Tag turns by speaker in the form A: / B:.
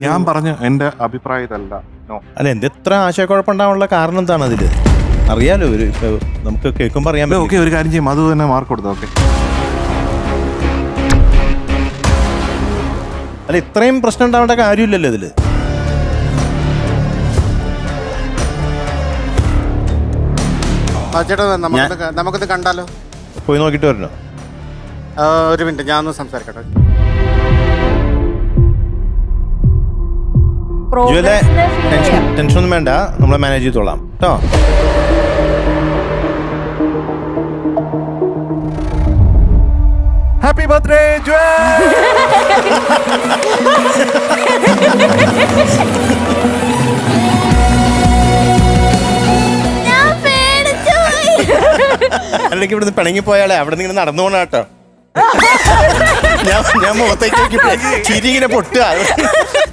A: ഞാൻ പറഞ്ഞു എന്റെ അഭിപ്രായത്തല്ല.
B: അല്ല എന്തെത്ര ആശയക്കുഴപ്പമുണ്ടാവാനുള്ള കാരണം എന്താണ് അതില്? അറിയാലോ, നമുക്ക് കേൾക്കുമ്പോ അറിയാൻ.
A: ഓക്കെ, ഒരു കാര്യം ചെയ്യും, അത് തന്നെ മാർക്ക് കൊടുത്തു. ഓക്കെ,
B: അല്ല ഇത്രയും പ്രശ്നം ഉണ്ടാവേണ്ട കാര്യമില്ലല്ലോ ഇതില്.
C: ചേട്ടാ നമുക്കിത് കണ്ടാലോ?
B: പോയി നോക്കിട്ട് വരണോ?
C: ഒരു മിനിറ്റ്, ഞാനൊന്ന് സംസാരിക്കട്ടെ.
B: ടെൻഷൻ ഒന്നും വേണ്ട, നമ്മളെ മാനേജ് ചെയ്തോളാം കേട്ടോ.
A: ഹാപ്പി ബർത്ത്ഡേ
B: അല്ലെങ്കിൽ ഇവിടുന്ന് പിണങ്ങി പോയാളെ അവിടെ നിന്ന് ഇങ്ങനെ നടന്നു പോണ കേട്ടോ. ഞാൻ മുഖത്തേക്ക് ചിരി ഇങ്ങനെ പൊട്ടുക.